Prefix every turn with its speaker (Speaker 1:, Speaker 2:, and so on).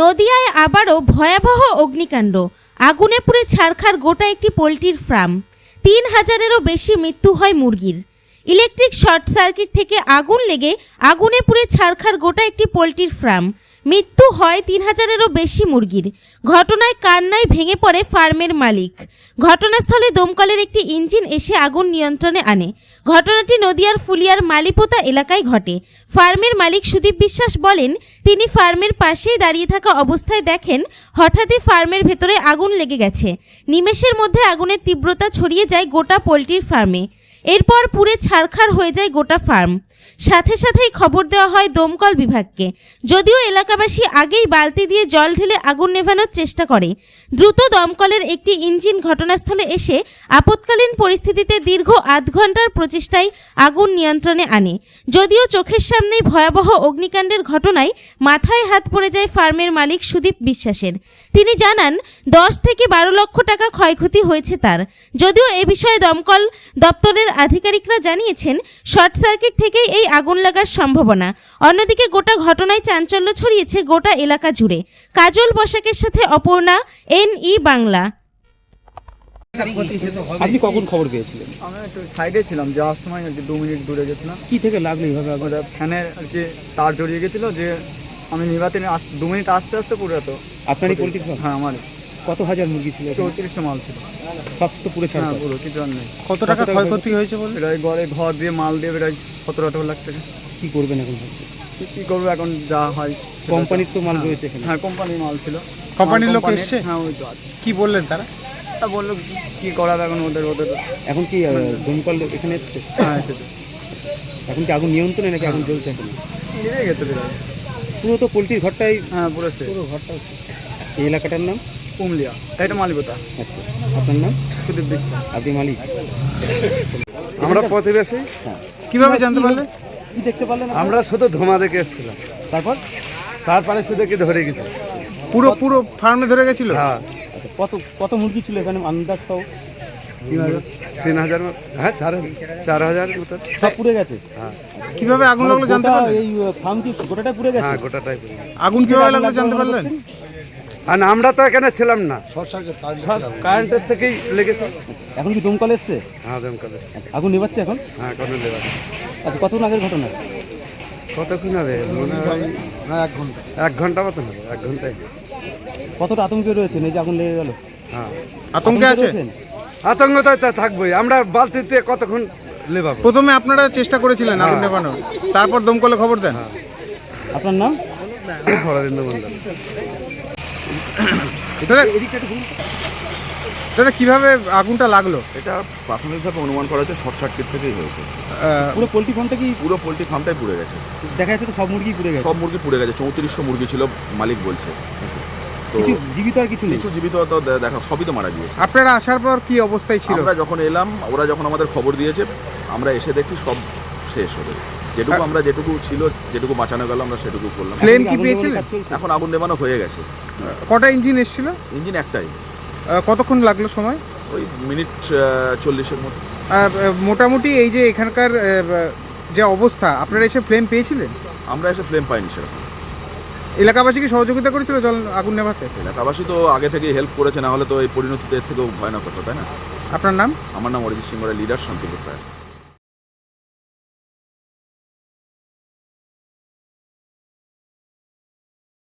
Speaker 1: নদিয়ায় আবারও ভয়াবহ অগ্নিকাণ্ড। আগুনে পুড়ে ছারখার গোটা একটি পোলট্রির ফার্ম। ৩,০০০-এরও বেশি মৃত্যু হয় মুরগির। ইলেকট্রিক শর্ট সার্কিট থেকে আগুন লেগে আগুনে পুড়ে ছারখার গোটা একটি পোলট্রির ফার্ম। মৃত্যু হয় ৩,০০০-এরও বেশি মুরগির। ঘটনায় কান্নায় ভেঙে পড়ে ফার্মের মালিক। ঘটনাস্থলে দমকলের একটি ইঞ্জিন এসে আগুন নিয়ন্ত্রণে আনে। ঘটনাটি নদিয়ার ফুলিয়ার মালিপোতা এলাকায় ঘটে। ফার্মের মালিক সুদীপ বিশ্বাস বলেন, তিনি ফার্মের পাশেই দাঁড়িয়ে থাকা অবস্থায় দেখেন হঠাৎই ফার্মের ভেতরে আগুন লেগে গেছে। নিমেষের মধ্যে আগুনের তীব্রতা ছড়িয়ে যায় গোটা পোলট্রির ফার্মে। এরপর পুড়ে ছারখার হয়ে যায় গোটা ফার্ম। সাথে সাথেই খবর দেওয়া হয় দমকল বিভাগকে। যদিও এলাকাবাসী আগেই বালতি দিয়ে জল ঢেলে আগুন নেভানোর চেষ্টা করে। দ্রুত দমকলের একটি ইঞ্জিন ঘটনাস্থলে এসে আপৎকালীন পরিস্থিতিতে দীর্ঘ আধ ঘন্টার প্রচেষ্টায় আগুন নিয়ন্ত্রণে আনে। যদিও চোখের সামনেই ভয়াবহ অগ্নিকাণ্ডের ঘটনায় মাথায় হাত পড়ে যায় ফার্মের মালিক সুদীপ বিশ্বাসের। তিনি জানান 10 থেকে 12 লক্ষ টাকা ক্ষয়ক্ষতি হয়েছে তার। যদিও এ বিষয়ে দমকল দপ্তরের আধিকারিকরা জানিয়েছেন শর্ট সার্কিট থেকেই এই আগুন লাগার সম্ভাবনা। অন্যদিকে গোটা ঘটনায় চাঞ্চল্য ছড়িয়েছে গোটা এলাকা জুড়ে। কাজল বসাকের সাথে অপর্ণা, NE বাংলা।
Speaker 2: আপনি কখন খবর পেয়েছিলেন?
Speaker 3: আমি একটু সাইডে ছিলাম, যাওয়ার সময় আর কি 2 মিনিট দূরে গেছিলাম।
Speaker 2: কি থেকে লাগলো এইভাবে আগুন?
Speaker 3: ফ্যানের আর কি তার জড়িয়ে গেছিলো, যে আমি নিভাতে 2 মিনিট আসতে আসতে পুরো তো।
Speaker 2: আপনারই পোলট্রি ফার্ম?
Speaker 3: হ্যাঁ, আমার।
Speaker 2: কত হাজার মুরগি ছিল?
Speaker 3: 3400 মাল ছিল।
Speaker 2: সব তো পুরো ছাড়া?
Speaker 3: হ্যাঁ, পুরো কিছু আর নেই।
Speaker 2: কত টাকা ক্ষয়ক্ষতি হয়েছে বলে?
Speaker 3: প্রায় ঘর দিয়ে মাল দিয়ে প্রায় 17-18 লাখ টাকা।
Speaker 2: কি করবেন এখন ভাবছি?
Speaker 3: কি করবো এখন, যা হয়।
Speaker 2: কোম্পানির তো মাল রয়েছে এখানে?
Speaker 3: হ্যাঁ, কোম্পানির মাল ছিল।
Speaker 4: কোম্পানির লোক এসছে?
Speaker 3: হ্যাঁ, ওই তো আছে।
Speaker 4: কি বললেন তারা?
Speaker 3: তা বললো কি করাবে এখন ওদের।
Speaker 2: এখন কি দমকল এখানে এসছে?
Speaker 3: হ্যাঁ, এসেছে।
Speaker 2: এখন কি আগুন নিয়ন্ত্রণে নাকি আগুন জ্বলছে এখন?
Speaker 3: নিভে গেছে প্রায়।
Speaker 2: পুরো তো পোলট্রির ঘরটাই?
Speaker 3: হ্যাঁ, পুরো
Speaker 2: ঘরটা। এই এলাকাটার নাম
Speaker 3: কুমলিয়া, এটা মালিপোতা।
Speaker 2: আচ্ছা, আপনার নাম?
Speaker 3: সুদীপ বিশ্বাস।
Speaker 2: আপনি মালিক?
Speaker 5: আমরা প্রতিবেশী।
Speaker 4: কিভাবে জানতে পারলেন?
Speaker 2: কি দেখতে পারলেন?
Speaker 5: আমরা শুধু ধোঁয়া দেখে এসেছিলাম, তারপরে শুধু কি ধরে গেছে।
Speaker 4: পুরো ফার্মে ধরে গেছিল?
Speaker 5: হ্যাঁ।
Speaker 2: আচ্ছা, কত মুরগি ছিল এখানে আন্দাজ তাও?
Speaker 5: 3,000 হ্যাঁ, 4,000 মতো।
Speaker 2: সব পুড়ে গেছে?
Speaker 5: হ্যাঁ।
Speaker 4: কিভাবে আগুন লাগলো জানতে পারলেন?
Speaker 2: এই ফার্ম কি গোটাটা পুড়ে গেছে?
Speaker 5: হ্যাঁ, গোটাটাই।
Speaker 4: আগুন কিভাবে লাগলো জানতে পারলেন?
Speaker 5: আর আমরা তো এখানে ছিলাম না, কারেন্টের থেকেই লেগেছে।
Speaker 2: এখন কি দমকল এসছে?
Speaker 5: হ্যাঁ, দমকল এসছে।
Speaker 2: আগুন নেভাচ্ছে এখন?
Speaker 5: হ্যাঁ, কোনো লেবার।
Speaker 2: আচ্ছা, কতক্ষণ আগের ঘটনা?
Speaker 5: কতক্ষণ হবে? মনে হয় 1 ঘন্টা মতন হবে। 1 ঘন্টায়।
Speaker 2: কতটা আতঙ্কে রয়েছেন এই যে আগুন লেগে গেল?
Speaker 5: হ্যাঁ,
Speaker 4: আতঙ্কে আছে?
Speaker 5: আতঙ্ক তো থাকবোই। আমরা বালতিতে কতক্ষণ লেবাবো।
Speaker 4: প্রথমে আপনারা চেষ্টা করেছিলেন আগুন নেভানোর, তারপর দমকলে খবর দেন?
Speaker 2: আপনার নাম?
Speaker 5: হরেন্দ্র মন্ডল।
Speaker 4: দাদা, কিভাবে আগুনটা লাগলো?
Speaker 6: এটা প্রাথমিকভাবে অনুমান করা হচ্ছে শর্ট সার্কিট থেকেই হয়েছে।
Speaker 2: পুরো পোলট্রি ফার্মটা কি?
Speaker 6: পুরো পোলট্রি ফার্মটাই পুড়ে গেছে।
Speaker 2: দেখা যাচ্ছে তো সব মুরগি পুড়ে গেছে?
Speaker 6: সব মুরগি পুড়ে গেছে। 3400 মুরগি ছিল মালিক বলছে। তো
Speaker 2: কিছু জীবিত আর কিছু নেই?
Speaker 6: কিছু জীবিত তো দেখা, সবই তো মারা গিয়েছে।
Speaker 4: আপনারা আসার পর কি অবস্থায় ছিল?
Speaker 6: আমরা যখন এলাম, ওরা যখন আমাদের খবর দিয়েছে, আমরা এসে দেখি সব শেষ হবে। যেটুকু ছিল, যেটুকু বাঁচানো গেল, আমরা সেটুকু করলাম।
Speaker 4: ফ্লেম কি পেয়েছিলেন?
Speaker 6: এখন আগুন নেভানো হয়ে গেছে।
Speaker 4: কটা ইঞ্জিন এসেছিল?
Speaker 6: ইঞ্জিন একটাই।
Speaker 4: কতক্ষণ লাগলো সময়?
Speaker 6: ওই মিনিট 40-এর মতো।
Speaker 4: মোটামুটি এই যে এখানকার যে অবস্থা, আপনারা এসে ফ্লেম পেয়েছিলেন?
Speaker 6: আমরা এসে ফ্লেম পাইনি সেরকম।
Speaker 4: এলাকাবাসী কি সহযোগিতা করেছিল জল আগুন নেভাতে?
Speaker 6: এলাকাবাসী তো আগে থেকেই হেল্প করেছে, না হলে তো এই পরিণতিতে এর থেকেও ভয়ানক হতো, তাই না?
Speaker 4: আপনার নাম?
Speaker 6: আমার নাম অরিজিৎ সিংহ, লিডার শান্তিপুর।